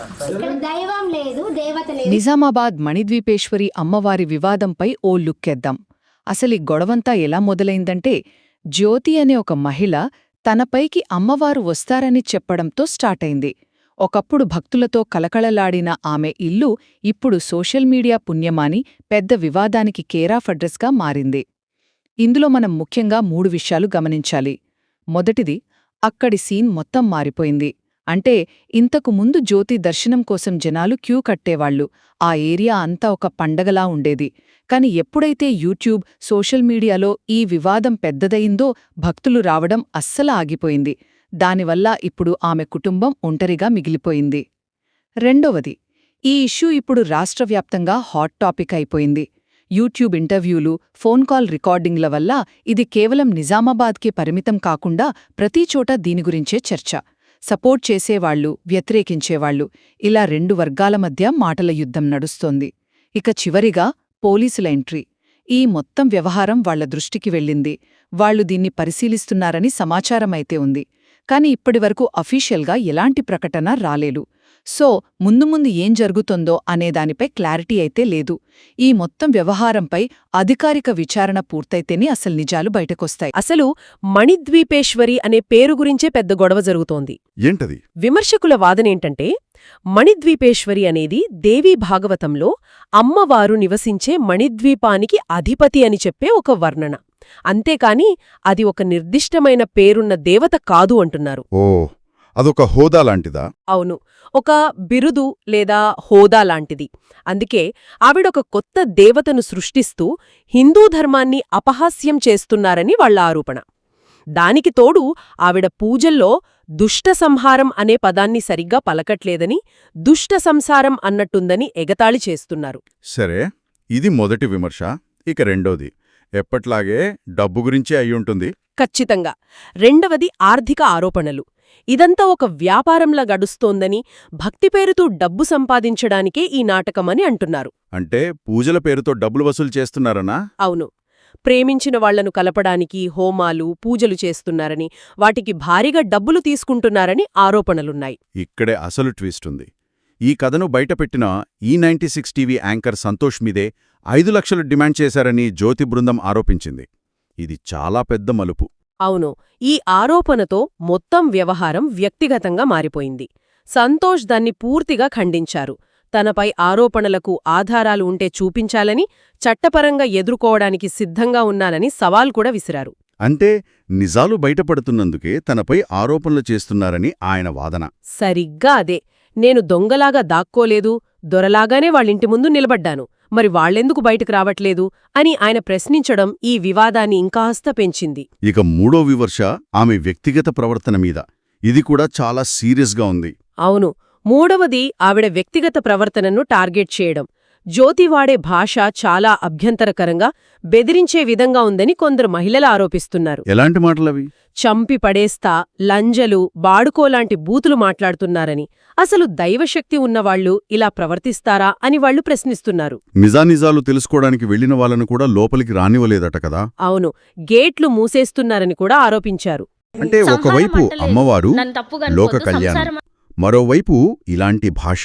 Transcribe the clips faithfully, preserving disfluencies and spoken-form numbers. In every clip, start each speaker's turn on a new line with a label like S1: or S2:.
S1: ఇక్కడ దైవం లేదు, దేవత లేదు.
S2: నిజామాబాద్ మణిద్వీపేశ్వరి అమ్మవారి వివాదంపై ఓ లుక్కెద్దాం. అసలీ గొడవంతా ఎలా మొదలైందంటే, జ్యోతి అనే ఒక మహిళ తనపైకి అమ్మవారు వస్తారని చెప్పడంతో స్టార్టైంది. ఒకప్పుడు భక్తులతో కలకళలాడిన ఆమె ఇల్లు ఇప్పుడు సోషల్ మీడియా పుణ్యమాని పెద్ద వివాదానికి కేరాఫ్ అడ్రస్గా మారింది. ఇందులో మనం ముఖ్యంగా మూడు విషయాలు గమనించాలి. మొదటిది, అక్కడి సీన్ మొత్తం మారిపోయింది. అంటే ఇంతకు ముందు జ్యోతి దర్శనం కోసం జనాలు క్యూ కట్టేవాళ్లు. ఆ ఏరియా అంతా ఒక పండగలా ఉండేది. కాని ఎప్పుడైతే యూట్యూబ్, సోషల్ మీడియాలో ఈ వివాదం పెద్దదయిందో భక్తులు రావడం అస్సలు ఆగిపోయింది. దానివల్ల ఇప్పుడు ఆమె కుటుంబం ఒంటరిగా మిగిలిపోయింది. రెండవది, ఈ ఇష్యూ ఇప్పుడు రాష్ట్రవ్యాప్తంగా హాట్ టాపిక్ అయిపోయింది. యూట్యూబ్ ఇంటర్వ్యూలు, ఫోన్ కాల్ రికార్డింగ్ల వల్ల ఇది కేవలం నిజామాబాద్కే పరిమితం కాకుండా ప్రతిచోటా దీని గురించే చర్చ. సపోర్ట్ చేసేవాళ్లు, వ్యతిరేకించేవాళ్లు, ఇలా రెండు వర్గాల మధ్య మాటల యుద్ధం నడుస్తోంది. ఇక చివరిగా పోలీసుల ఎంట్రీ. ఈ మొత్తం వ్యవహారం వాళ్ల దృష్టికి వెళ్ళింది. వాళ్లు దీన్ని పరిశీలిస్తున్నారని సమాచారమైతే ఉంది. కాని ఇప్పటివరకు అఫీషియల్గా ఎలాంటి ప్రకటన రాలేదు. సో ముందు ముందు ఏం జరుగుతుందో అనేదానిపై క్లారిటీ అయితే లేదు. ఈ మొత్తం వ్యవహారంపై అధికారిక విచారణ పూర్తయితేనే అసలు నిజాలు బయటకొస్తాయి.
S3: అసలు మణిద్వీపేశ్వరి అనే పేరు గురించే పెద్ద గొడవ జరుగుతోంది.
S4: ఏంటది?
S3: విమర్శకుల వాదనేంటంటే, మణిద్వీపేశ్వరి అనేది దేవీ భాగవతంలో అమ్మవారు నివసించే మణిద్వీపానికి అధిపతి అని చెప్పే ఒక వర్ణన. అంతేకాని అది ఒక నిర్దిష్టమైన పేరున్న దేవత కాదు అంటున్నారు.
S4: ఓ, అదొక హోదా లాంటిదా?
S3: అవును, ఒక బిరుదు లేదా హోదా లాంటిది. అందుకే ఆవిడొక కొత్త దేవతను సృష్టిస్తూ హిందూ ధర్మాన్ని అపహాస్యం చేస్తున్నారని వాళ్ల ఆరోపణ. దానికి తోడు ఆవిడ పూజల్లో దుష్ట సంహారం అనే పదాన్ని సరిగ్గా పలకట్లేదని, దుష్ట సంసారం అన్నట్టుందని ఎగతాళి చేస్తున్నారు.
S4: సరే, ఇది మొదటి విమర్శ. ఇక రెండోది, ఎప్పట్లాగే డబ్బు గురించే అయ్యుంటుంది.
S3: ఖచ్చితంగా. రెండవది ఆర్థిక ఆరోపణలు. ఇదంతా ఒక వ్యాపారంలా గడుస్తోందని, భక్తి పేరుతో డబ్బు సంపాదించడానికే ఈ నాటకమని అంటున్నారు.
S4: అంటే పూజల పేరుతో డబ్బులు వసూలు చేస్తున్నారనా?
S3: అవును. ప్రేమించిన వాళ్లను కలపడానికి హోమాలు, పూజలు చేస్తున్నారని, వాటికి భారీగా డబ్బులు తీసుకుంటున్నారని ఆరోపణలున్నాయి.
S4: ఇక్కడే అసలు ట్విస్ట్ ఉంది. ఈ కథను బయటపెట్టిన ఈ ninety six TV anchor Santosh మీదే ఐదు లక్షలు డిమాండ్ చేశారని జ్యోతి బృందం ఆరోపించింది. ఇది చాలా పెద్ద మలుపు.
S3: అవును, ఈ ఆరోపణతో మొత్తం వ్యవహారం వ్యక్తిగతంగా మారిపోయింది. సంతోష్ దాన్ని పూర్తిగా ఖండించారు. తనపై ఆరోపణలకు ఆధారాలు ఉంటే చూపించాలని, చట్టపరంగా ఎదుర్కోవడానికి సిద్ధంగా ఉన్నానని సవాల్ కూడా విసిరారు.
S4: అంటే నిజాలు బయటపడుతున్నందుకే తనపై ఆరోపణలు చేస్తున్నారని ఆయన వాదన.
S3: సరిగ్గా అదే. నేను దొంగలాగా దాక్కోలేదు, దొరలాగానే వాళ్ళింటి ముందు నిలబడ్డాను, మరి వాళ్లెందుకు బయటకు రావట్లేదు అని ఆయన ప్రశ్నించడం ఈ వివాదాన్ని ఇంకాస్త పెంచింది.
S4: ఇక మూడో విమర్శ ఆమె వ్యక్తిగత ప్రవర్తన మీద. ఇది కూడా చాలా సీరియస్గా ఉంది.
S3: అవును, మూడవది ఆవిడ వ్యక్తిగత ప్రవర్తనను టార్గెట్ చేయడం. జ్యోతి వాడే భాష చాలా అభ్యంతరకరంగా, బెదిరించే విధంగా ఉందని కొందరు మహిళలు ఆరోపిస్తున్నారు.
S4: ఎలాంటి మాటలవి?
S3: చంపి పడేస్తా, లంజలు, బాడుకోలాంటి బూతులు మాట్లాడుతున్నారని, అసలు దైవశక్తి ఉన్నవాళ్లు ఇలా ప్రవర్తిస్తారా అని వాళ్లు ప్రశ్నిస్తున్నారు.
S4: నిజానిజాలు తెలుసుకోవడానికి వెళ్లిన వాళ్ళను కూడా లోపలికి రానివ్వలేదట కదా?
S3: అవును, గేట్లు మూసేస్తున్నారని కూడా ఆరోపించారు.
S4: అంటే ఒకవైపు అమ్మవారు, లోక కళ్యాణం, మరోవైపు ఇలాంటి భాష.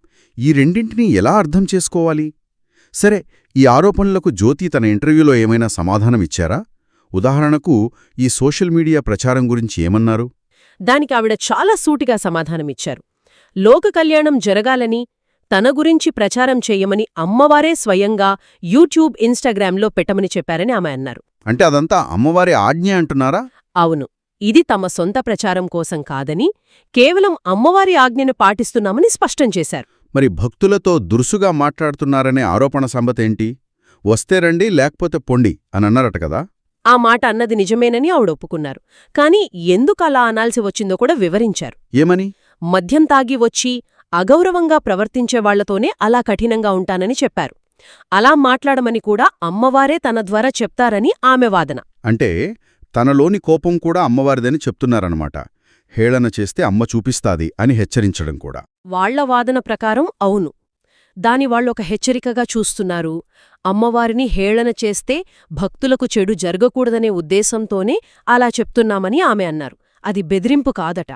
S4: ఈ రెండింటినీ ఎలా అర్థం చేసుకోవాలి? సరే, ఈ ఆరోపణలకు జ్యోతి తన ఇంటర్వ్యూలో ఏమైనా సమాధానమిచ్చారా? ఉదాహరణకు ఈ సోషల్ మీడియా ప్రచారం గురించి ఏమన్నారు?
S3: దానికి ఆవిడ చాలా సూటిగా సమాధానమిచ్చారు. లోక కళ్యాణం జరగాలని, తన గురించి ప్రచారం చెయ్యమని అమ్మవారే స్వయంగా యూట్యూబ్, ఇన్స్టాగ్రామ్లో పెట్టమని చెప్పారని ఆమె అన్నారు.
S4: అంటే అదంతా అమ్మవారి ఆజ్ఞ అంటున్నారా?
S3: అవును, ఇది తమ సొంత ప్రచారం కోసం కాదని, కేవలం అమ్మవారి ఆజ్ఞను పాటిస్తున్నామని స్పష్టం చేశారు.
S4: మరి భక్తులతో దురుసుగా మాట్లాడుతున్నారనే ఆరోపణ సంగతేంటి? వస్తే రండి, లేకపోతే పొండి అని అన్నారట కదా?
S3: ఆ మాట అన్నది నిజమేనని ఆవిడ ఒప్పుకున్నారు. కాని ఎందుకు అలా అనాల్సి వచ్చిందో కూడా వివరించారు.
S4: ఏమని?
S3: మద్యం తాగి వచ్చి అగౌరవంగా ప్రవర్తించేవాళ్లతోనే అలా కఠినంగా ఉంటానని చెప్పారు. అలా మాట్లాడమని కూడా అమ్మవారే తన ద్వారా చెప్తారని ఆమె వాదన.
S4: అంటే తనలోని కోపం కూడా అమ్మవారిదని చెప్తున్నారన్నమాట. హేళన చేస్తే అమ్మ చూపిస్తాది అని హెచ్చరించడం కూడా.
S3: వాళ్ల వాదన ప్రకారం అవును. దాని వాళ్ళొక హెచ్చరికగా చూస్తున్నారు. అమ్మవారిని హేళన చేస్తే భక్తులకు చెడు జరగకూడదనే ఉద్దేశంతోనే అలా చెప్తున్నామని ఆమె అన్నారు. అది బెదిరింపు కాదట.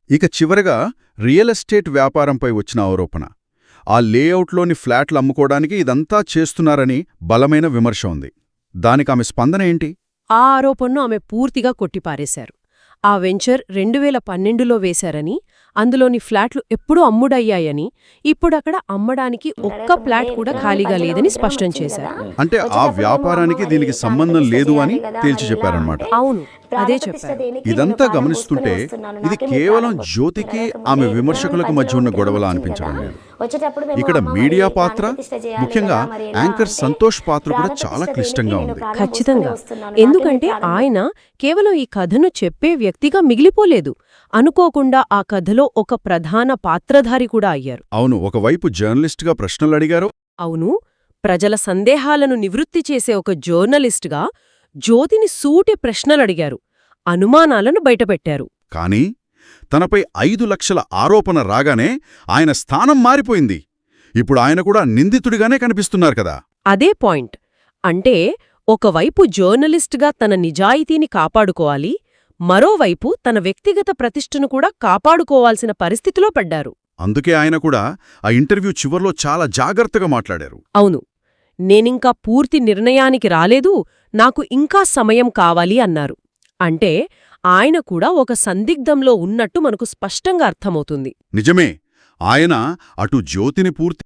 S4: ఇక చివరగా రియల్ ఎస్టేట్ వ్యాపారంపై వచ్చిన ఆరోపణ. ఆ లేఅవుట్లోని ఫ్లాట్లు అమ్ముకోవడానికి ఇదంతా చేస్తున్నారని బలమైన విమర్శ ఉంది. దానికామె స్పందన ఏంటి?
S3: ఆ ఆరోపణను ఆమె పూర్తిగా కొట్టిపారేశారు. ఆ వెంచర్ రెండు వేల పన్నెండులో వేశారని, అందులోని ఫ్లాట్లు ఎప్పుడూ అమ్ముడయ్యాయని, ఇప్పుడక్కడ అమ్మడానికి ఒక్క ఫ్లాట్ కూడా ఖాళీగా లేదని స్పష్టం చేశారు.
S4: అంటే ఆ వ్యాపారానికి దీనికి సంబంధం లేదు అని తేల్చి చెప్పారన్నమాట.
S3: అవును, అదే చెప్పారు.
S4: ఇదంతా గమనిస్తుంటే ఇది కేవలం జ్యోతికి ఆమె విమర్శకులకు మధ్య ఉన్న గొడవలా అనిపించడం లేదు. ఇక్కడ మీడియా పాత్ర, ముఖ్యంగా యాంకర్ సంతోష్ పాత్ర కూడా చాలా క్లిష్టంగా ఉంది.
S3: ఖచ్చితంగా. ఎందుకంటే ఆయన కేవలం ఈ కథను చెప్పే వ్యక్తిగా మిగిలిపోలేదు, అనుకోకుండా ఆ కథలో ఒక ప్రధాన పాత్రధారి కూడా అయ్యారు.
S4: అవును, ఒకవైపు జర్నలిస్ట్గా ప్రశ్నలు అడిగారు.
S3: అవును, ప్రజల సందేహాలను నివృత్తి చేసే ఒక జర్నలిస్టుగా జ్యోతిని సూటి ప్రశ్నలడిగారు, అనుమానాలను బయటపెట్టారు.
S4: కానీ తనపై ఐదు లక్షల ఆరోపణ రాగానే ఆయన స్థానం మారిపోయింది. ఇప్పుడు ఆయన కూడా నిందితుడిగానే కనిపిస్తున్నారు కదా.
S3: అదే పాయింట్. అంటే ఒకవైపు జర్నలిస్టుగా తన నిజాయితీని కాపాడుకోవాలి, మరోవైపు తన వ్యక్తిగత ప్రతిష్టను కూడా కాపాడుకోవాల్సిన పరిస్థితిలో పడ్డారు.
S4: అందుకే ఆయన కూడా ఆ ఇంటర్వ్యూ చివర్లో చాలా జాగ్రత్తగా మాట్లాడారు.
S3: అవును, నేనింకా పూర్తి నిర్ణయానికి రాలేదు, నాకు ఇంకా సమయం కావాలి అన్నారు. అంటే ఆయన కూడా ఒక సందిగ్ధంలో ఉన్నట్టు మనకు స్పష్టంగా అర్థమవుతుంది.
S4: నిజమే, ఆయన అటు జ్యోతిని పూర్తి